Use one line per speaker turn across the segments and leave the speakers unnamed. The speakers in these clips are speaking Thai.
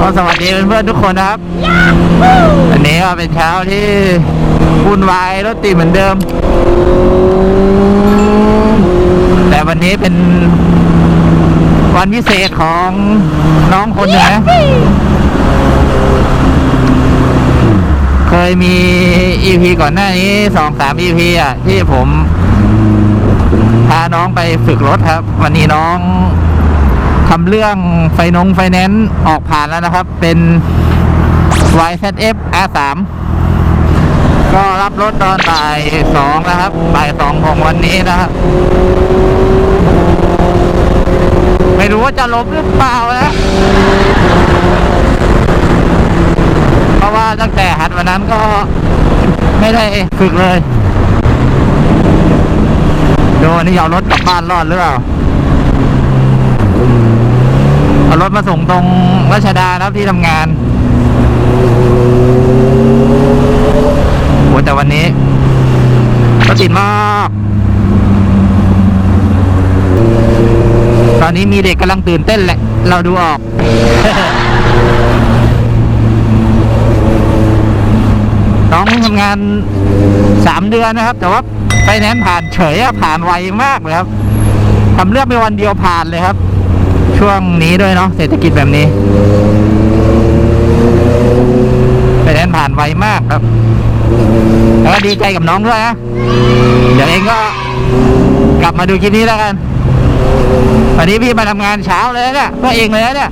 สวัสดีเพื่อนๆทุกคนนะครับอันนี้ก็เป็นเช้าที่วุ่นวายรถติดเหมือนเดิมแต่วันนี้เป็นวันพิเศษของน้องคนหนึ่งนะเคยมี EP ก่อนหน้านี้ 2-3 EP อ่ะที่ผมพาน้องไปฝึกรถครับวันนี้น้องทำเรื่องไฟแนนซ์ออกผ่านแล้วนะครับเป็น YZF R3 ก็รับรถตอนบ่าย 2นะครับบ่าย 2ของวันนี้นะครับไม่รู้ว่าจะลบหรือเปล่านะเพราะว่าตั้งแต่หัดวันนั้นก็ไม่ได้ฝึกเลยดูนี่เอารถกลับบ้านรอดหรือเปล่าเอารถมาส่งตรงรัชดาครับที่ทำงานโอ้แต่วันนี้รถติดมากตอนนี้มีเด็กกำลังตื่นเต้นแหละเราดูออก น้องทำงาน3 เดือนนะครับแต่ว่าไฟแนนซ์ผ่านเฉยผ่านไวมากเลยครับทำเรื่องไปวันเดียวผ่านเลยครับช่วงนี้ด้วยเนาะเศรษฐกิจแบบนี้ไฟแนนซ์ผ่านไวมากครับแล้วก็ดีใจกับน้องด้วยนะเดี๋ยวเองก็กลับมาดูคลิปนี้แล้วกันวันนี้พี่มาทำงานเช้าเลยเนี่ยเพื่อเองเลยเนี่ย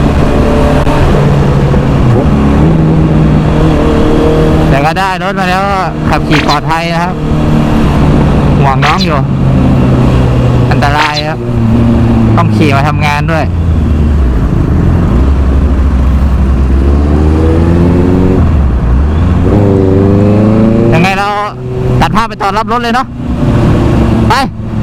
แต่ก็ได้รถมาแล้วขับขี่ปลอดภัยนะครับห่วงน้องอยู่อันตรายครับต้องขี่มาทำงานด้วยยังไงเราตัดภาพไปตอนรับรถเลยเนาะไป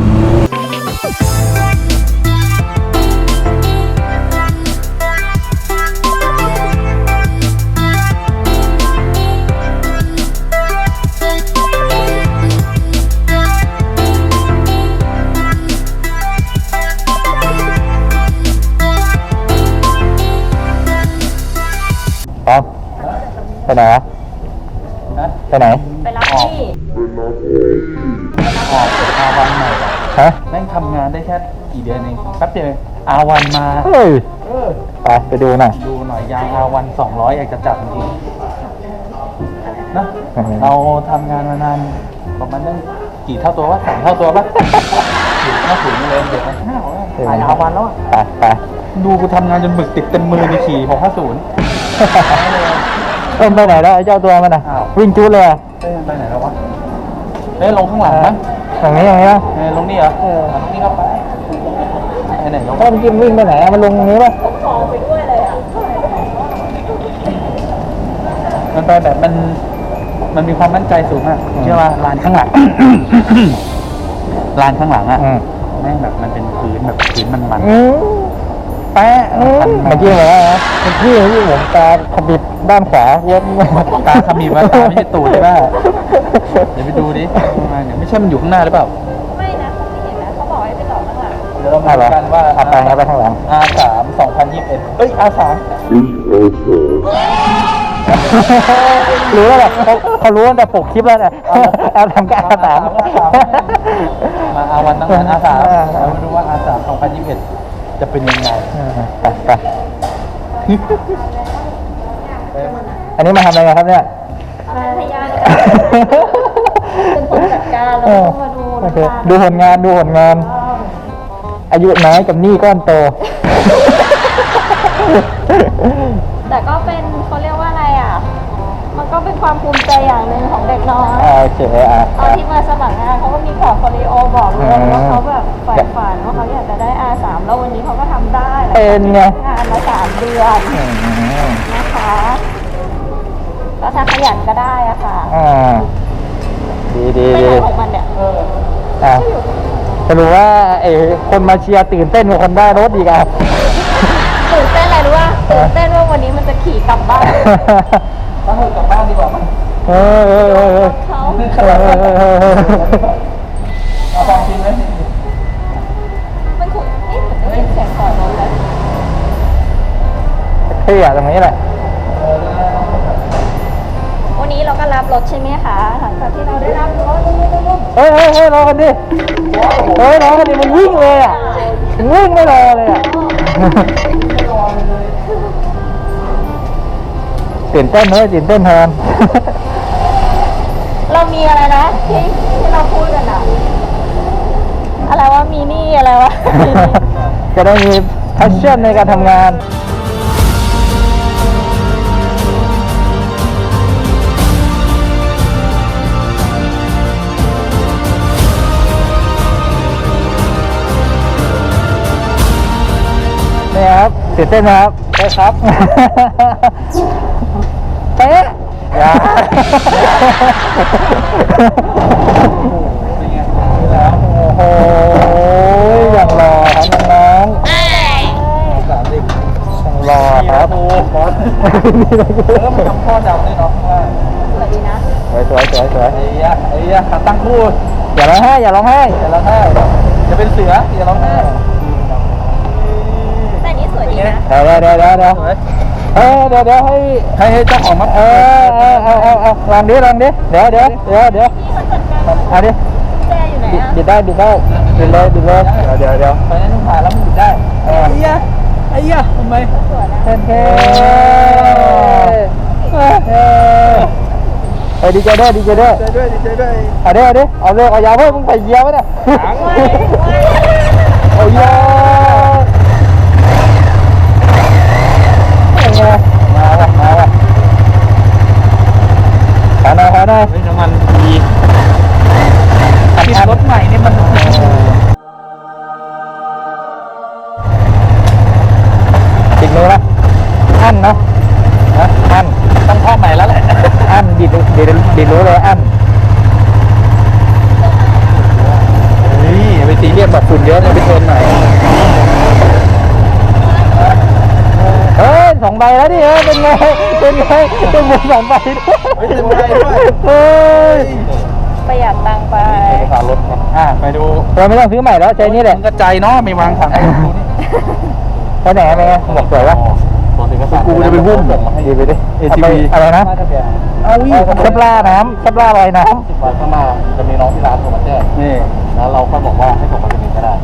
ไปไหนไปไหน
ไปรับพี่
ออกอาวันใหม่
ฮะ
แม่งทำงานได้แค่กี่เดือนเองแป๊บเดียวอาวันมา
เฮ้ยไปดูหน่อย
ยางอาวัน200อยากจะจับจริงๆนะเราทำงานมานานประมาณได้กี่เท่าตัววะ3 เท่าตัวปะถึงเลยเดี๋ยวมันถ่ายอาวันแล้ว
ไป
ดูกูทำงานจนหมึกติดเต็มมือในขี่650
ไปไหนแล้วไอ้เจ้าตัวมันอ่ะวิ่งจุดเลย
ไปไหนแล้ววะลงข้างหลังมั้ง
อย่างนี้นะ
ลงนี่เหรอนี่ก็ไปไหนลง
มันกินวิ่งไปไหนมันลงตรงนี้ป่ะ
ขอไปด้วยเลยอ่ะ
มันไปแบบมันมีความมั่นใจสูงมากเชื่อว่าลานข้างหลังลานข้างหลังอ่ะแม่งแบบมันเป็นพื้นแบบพื้นมัน
แปะเมื่อกี้เหรอเป็นพี่ที่ผมตาขมิบด้านขวาเย็บ
ตาขมิบว่าตาไม่ใช่ตูดใช่ป่ะเดี๋ยวไปดูดิเนี่ยไม่ใช่มันอยู่ข้างหน้าหรือเปล่า
ไม่นะเขาไม่เห็นนะเขาบอกให้ไปต่อข้างหลัง
เดี๋ยวเรามาดูกันว่า
ไปข้างหลัง
R3 2021R3
รู้แล้วแหละเขารู้ตั้งแต่ปกคลิปแล้วเนี่ยทำกับ R3
มาอาวันตั้งแต่ R3 เรามาดูว่า R3 2021จะเป็นยังไง
ไปอันนี้มาทำอะไรกันครับเนี่ย
มาทยานเป็นคนจัดการแล้วก็มา
ดูผลงานอายุน้อยกับหนี้ก้อนโต
แต่ก็เป็นเขาเรียกว่าอะไรอ่ะมันก็เป็นความภูมิใจอย่างหนึ่งของเด็กน้อย
โอเค
ตอนที่มาสมัครงานเขาก็มีพอร์ตโฟลิโอบอกเลยว่าเขาแบบใฝ่ฝันว่าเขาอยากจะได้ R3 แล้ววันนี้เขาก็ทำได้
เป็นไง
งานมา3 เดือนนะคะก็ถ้าขยันก็ได้อะค่ะ
ดี
ไม่ใช่ของมันเนี่ย
จะรู้ว่าคนมาเชียร์ตื่นเต้นกว่าคนได้รถอีกอ่ะ
ตื่นเต้นอะไรรู้ว่าตื่นเต้นว่าวันนี้มันจะขี่กลับบ้าน
ถ้ากลับบ้านดีกว่ามั้ง
เขา
เอาฟังจริงไหม
มันขุดเหมือนได้ยินเสียงก่อนรถเลย
เที่อ่ะตรงนี้แหละ
วันนี้เราก็รับรถใช่ไหมคะหลังจากที่เราได้รับรถ
เฮ้ยรอกันดิเฮ้ยรอกันดิมันวิ่งเลยอ่ะมันวิ่งไม่รอเลยอ่ะตื่นเต้นเลยตื่นเต้นแทน
เรามีอะไรนะที่เราพูดกันอะอะไรว่ามีหนี่อะไรวะ
จะได้มี passion ในการทำงานนี่ครับตื่นเต้นนะครับใช่ครับ เป๊ะอย่า โอ้โหอย่างรอครับน้องๆอย่างรอครับ
มันทำข้อเดาได้เนาะว่า
สวัสดีนะ
สวย
ไอ้ยะตั้งคู่
อย่าร้องไห้อย่าร้องไห้
อย่าร้องไห้อย่าเป็นเสืออย่าร้องไห้
แต่นี้สวยดีนะ
เดี๋ยวเดี๋ยวให้เ
ให้เจ้าของมา
ลองดิเดี๋ยว
พี่เขาจัดการ
เอาดิ
แจอยู่ไหนอะ
บิดเลยเดี๋ยว
ไปนั่นผ่านแล้วมันหยุดได้ไอ้ยะทำไม
สวยนะ
เฮ้ยดีใจด้วย
ดีใจด้วย
เอาดิเอายาวเพิ่มมึงไปเยียวไหมเนี่ยเอายาวมาว่ะขอหน่อย
เฮ้ยน้ำมันดีรถใหม่นี่มัน
ติดมือปะอั้นเนาะอั้น
ต้องข้อใหม่แล้วแหละ
อั้นดิดรู้เลยอั้น
นี่ไปตีเรียบแบบฝุ่นเยอะเลยไปชนหน่อย
เฮ้ย2 ใบแล้วดิเป็นไงเป็นหมด2 ใบเฮ้ย
ประหยัดตังค์ไป
สารรถไปดู
เราไม่ต้องซื้อใหม่แล้วใจนี้แหละ
มันกระจายเนาะไม่วางถัง
ไปไหนไปไงบอกสวยปะ
กูจะไปหุ้มผมมาให้
ดีไปดิ
ATV
อะไรนะ
เอาวิ่ง
ชับล่าน้ำชับล่าลอยน้
วันข้างหน้าจะมีน้องที่ร้านโทรมาแจ้งนี่แล้วเราก็บอกว่าให้ผมมาที่นี่ก็ได้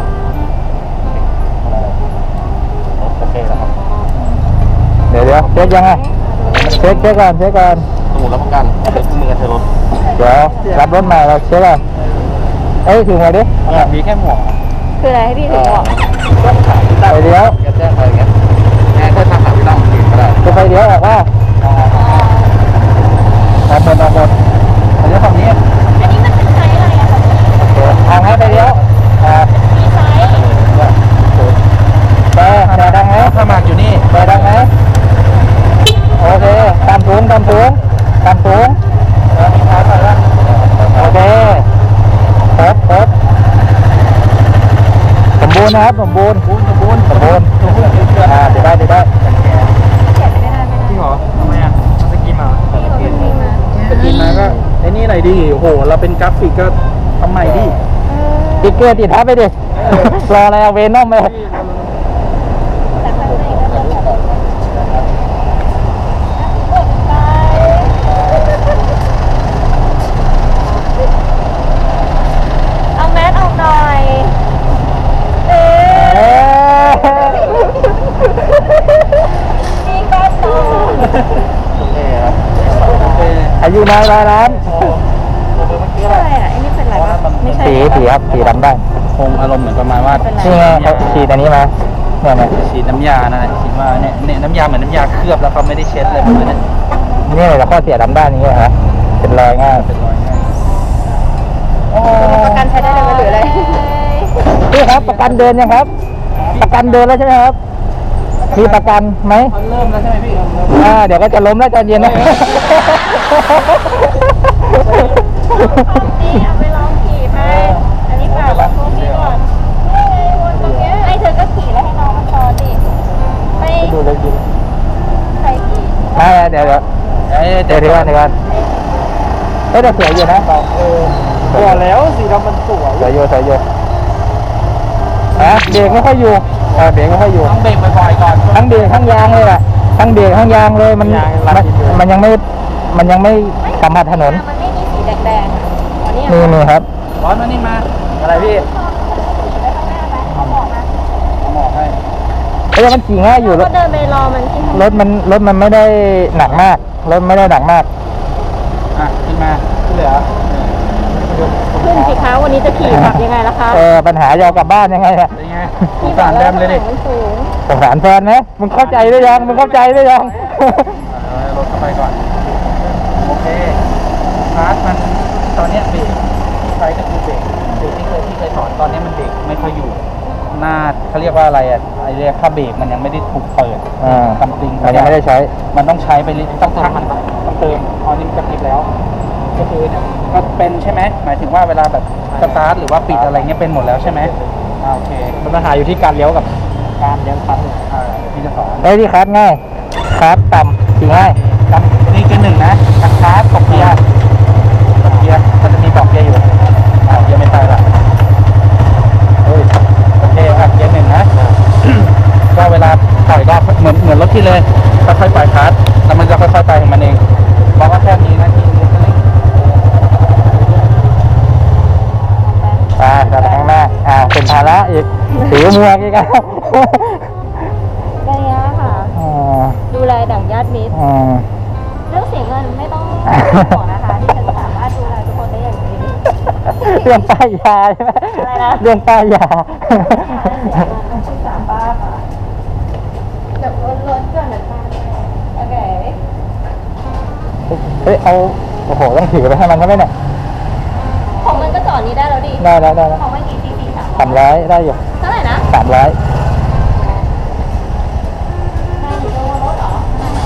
โอเคแล้วครับ
ำเดี๋ยวเช็คยังไงเช็คก่อน
สมุดรับประกันเดี๋ยวมือกันเธอรถ
เดี๋ยวรับรถใหม่เราเช็คก่อนเอ้ยถึงไหนดิ
มีแค่หมวก
คืออะไรให้พี่ถึงบอก
ไปเดี๋ยว
แจ้งไปอย่างเงี้ยแค่ถ้าถามพี่ต้องก็ได้
จะไปเดี๋ยวออกว่าเอาหมด
อันนี้ฝั่งนี้
อันนี้มันเป็นไซส์อะไรอะคะ
ทางให้ไปเดี๋ยว
มีไซส์
แต่ดังไหม
ถ้ามาอยู่นี่
แต่ดังไหมโอเคตามสูงโอเคครบสมบูรณ์นะครับสมบูรณ์เดี๋ยวได้
เขียนไม่ได้ไม่ได้
จริงเหรอทำไมอ่ะสกีมา
พี่เขาเป็นจริงนะ
สกีมาก็ไอ้นี่หน่อยดิโอ้โหเราเป็นกราฟิกก็ทำใหม่ดิ
ติ๊กเกอร์ติดทับไปดิรออะไรเอาเวนอมไป
แต่ข้างในก็จะแบบเอาแมสออกหน่อยนี่ก็โต
อายุน้อยร้อยล้าน
อะไรอ่ะไอ้นี่เป็นอะไรวะไม่ใช่
สีครับสีดำได้
คงอารมณ์เหมือนประมาณว่า
นี่ไงเขาฉีดอันนี้มาเนี่ย
ฉีดน้ำยานั่นแหละฉีดว่าเนี่ยน้ำยาเหมือนน้ำยาเคลือบแล้วเขาไม่ได้เช็ดเลยมันเนี่ย
นี่แหละข้อเสียดำด้านนี้ฮะเป็นรอยง่าย
เป็นรอยง่าย
ประกันใช้ได้เลยไหมหรืออะไร
พี่ครับประกันเดินยังครับ ประกันเดินแล้วใช่ไหมครับมีประกันไหม
มันเริ่มแล้วใช่ไหมพี่
เดี๋ยวก็จะล้มแล้วใจเย็นนะ
นี่เอาไปลองขี่ไปอันนี้ฝากไว้พวกนี้ก่อนไอ้เธอก็ขี่แล้วให้น้องมันซ้อนดิไป
ดูเลยดู
ใครขี่
เดี๋ยวก่อนเฮ้ยแต่สวยอยู่นะสวยแล้วสีดำมันสวยอยู่เบรกไม่ค่อยอยู่เบรกไม่ค่อยอยู่
ต้องเบรกบ่อยๆก่อน
ทั้งเบรกทั้งยางเลยแหละทั้งเบรกทั้งยางเลยมัน
ยางรัดดินเลย
มันยังไม่สัมผัสถนน
มันไม่มีสีแดงๆอ่ะอ๋อนี่
นี่ครับ
ร้อนมานี่มาอะไรพี่
ไปข้างหน้าไหมเขาบอกนะ
หมอกให้
เอ้ยมันขี่ง่ายอยู่ร
ก็
ถ
เดินไปรอมันที่
รถมันไม่ได้หนักมากรถไม่ได้หนักมาก
อ่ะขึ้นมาที่เหลือ
ขึ้นสิคะวันนี้จะขี่ขับยังไงล่ะคะ
ปัญหาจะเอากลับบ้านยังไงเนี่ย
เป็นไงสงสารแดมเลยดิ
มันสูง
สงสารแฟนไหมมึงเข้าใจหรือยังมึงเข้าใจหรือยัง
รถเข้าไปก่อนโอเคคลาสมันตอนเนี้ยเบรกใช้ก็คือเบรกที่เคยสอนตอนเนี้ยมันเบรกไม่ค่อยอยู่หน้าเขาเรียกว่าอะไรอ่ะไอเรียกค่าเบรกมันยังไม่ได้ถูกเปิด ซัมติง
มันยังไม่ได้ใช้
มันต้องใช้ไปต้องเติมมันต้องเติมตอนนี้มันจะปิดแล้ว ก็คือเนี่ยก็เป็นใช่ไหมหมายถึงว่าเวลาแบบสตาร์ทหรือว่าปิดอะไรเงี้ยเป็นหมดแล้วใช่ไหมโอเคมันปัญหาอยู่ที่การเลี้ยวกับการเลี้ยวคันที่จะสอน
ได้ที่คัสง่ายคัสต่ำขี่ง่าย
นี่คือหนึ่งนะคันคาร์ตกเกียร์ก็จะมีบอกเกียร์อยู่เกียร์ไม่ใช่ละโอเคเกียร์หนึ่งนะ ก็เวลาปล่อยก็เหมือนรถที่เลยค่อยๆปล่อยคลัตช์แล้วมันจะค่อยๆไปของมันเองบอกว่าแค่นี้นะที่นี้ก็เลย
กลับไปข้างหน้าเป็นภาระอีกถือมัวกอีกอ่ะ
ระยะค่ะ ดูแลดั่งญาติมิตร เรื่องเสียเงินไม่ต้องห่วงนะคะที่ฉันสามารถดูแลทุกคนได้อย่างดี
เรื่องป้ายยาใช่ไหม
อะไรนะ
เรื่องป้ายยา
ต้องชื่อสามป้าค่ะแบบล้นๆเกินหรือเปล่าโอเค
เฮ้ยเอาโอ้โหต้องถือไปให้มันใช่ไหมเนี่ย
ของมันก็จอดนี้ได้แล้วดิ
ได้
ของมันกี่ซีซี300
300ได้อยู่
เท่าไหร่นะ
300
ได้อยู่ตัวรถเหรอ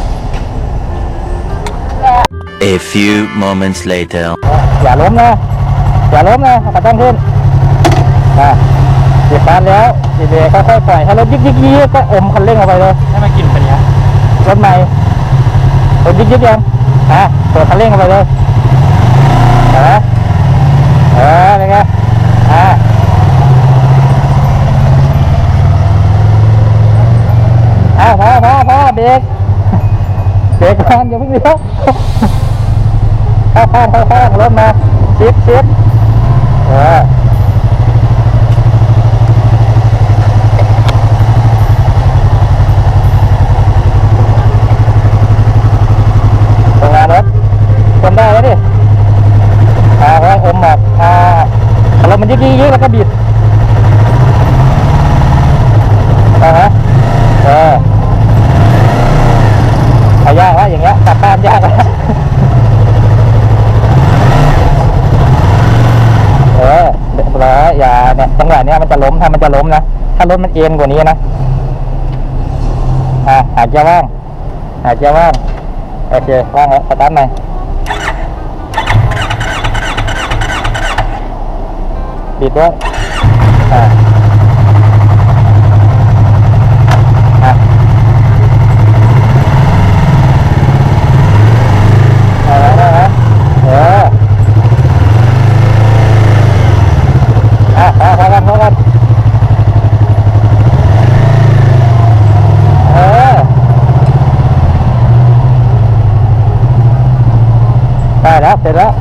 A few moments later.
อย่าล้มนะกระตั้งขึ้นเก็บบ้านแล้วดีเบรกค่อยๆปล่อยให้รถยิกก็อมคันเร่งออกไปเลย
ให้มันกินเป็นเนี้ย
รถใหม่รถยิกยังเปิดคันเร่งออกไปเลยเห็นไหมเป็นไงพอเบรกก่อนอย่าเพิ่งเลี้ยวเข้าข้างรถมาชิดตรงงานรถคนได้แล้วดิเพราะอมออกรถมันยิกแล้วก็บิดยากแล้วอย่างเงี้ยกลับบ้านยากแล้วเดี๋ยวอย่าเนี่ยจังหวะเนี้ยมันจะล้มถ้ามันจะล้มนะถ้ารถมันเอียงกว่านี้นะหาเกียร์ว่างโอเคว่างแล้วสตาร์ทหน่อยบิดด้วยพอกันได้แล้วเสร็จแล้ว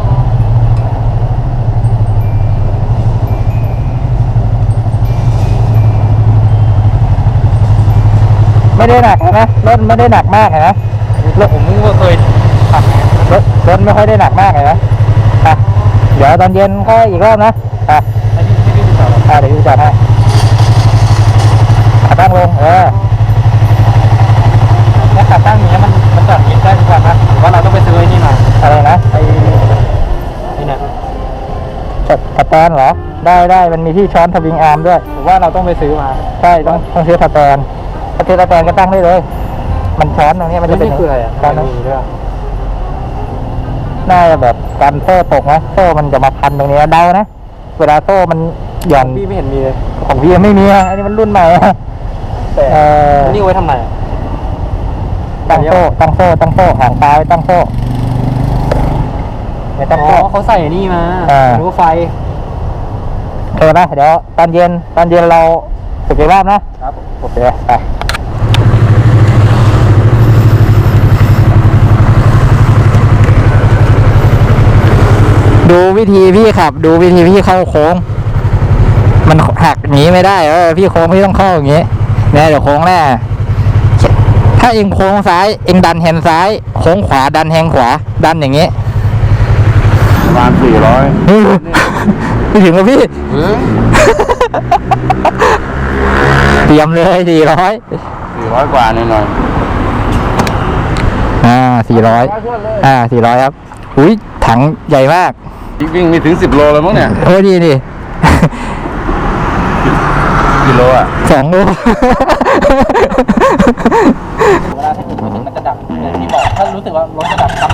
ไม่ได้หนักนะรถไม่ได้หนักมากเห็นไหมผมก็เคยขับรถไม่ค่อยได้หนักมากเห็นไหมเดี๋ยวตอนเย็นค่อยอีกรอบนะเดี๋ยวพี่จัดให้ขาตั้งลง
แล้วขาตั้งนี้มันจอดยิงได้ทุกวันนะหรือว่าเราต้องไปซื้อไอ้นี่มา
อะไรนะ
นี่เนี่ย
สแตนเหรอได้มันมีที่ช้อนทวิงอาร์มด้วย
หรือว่าเราต้องไปซื้อมา
ใช่ต้องซื้อสแตนถ้าซื้อสแตนก็ตั้งได้เลยมันช้อนตรงนี้มันจะเป็น
นี่คืออะไรอ่ะ
ช้อนนะ
มีด้วย
น่าจะแบบกันโซ่ตกนะโซ่มันจะมาพันตรงนี้เดานะเวลาโซ่มันหย่อน
พี่ไม่เห็นมีเลย
ของพี่ไม่มีอันนี้มันรุ่นใหม่
แต่นี่ไว้ทำไม
ตั้งโซ่หางตาไว้ตั้งโซ่ไม่ตั้งโซ่
เขาใส่นี่มาหรือว่าไฟ
โอเคนะเดี๋ยวตอนเย็นเราฝึกอีกรอบนะครับ โอเคไปดูวิธีพี่ขับ ดูวิธีพี่เข้าโค้ง มันหักหนีไม่ได้พี่โค้งพี่ต้องเข้าอย่างงี้เนี่ยเดี๋ยวโค้งแน่ถ้าเองโค้งซ้ายเองดันแฮนด์ซ้ายโค้งขวาดันแฮนด์ขวาดันอย่างงี้
ประมาณ400
ไม่ถึงแล้วพี่ เตรียมเลย400
400กว่าหน่อย
400 400ครับอุ้ยถังใหญ่มาก
วิ่งไม่ถึง10 โลแล้วมั้งเนี่ย
โอ้ดีดิ
กิโลอ่ะ
2 โล
เวลาที่ถึงมันจะดับอย่างที่บอกถ้ารู้สึกว่ารถจะดับซ้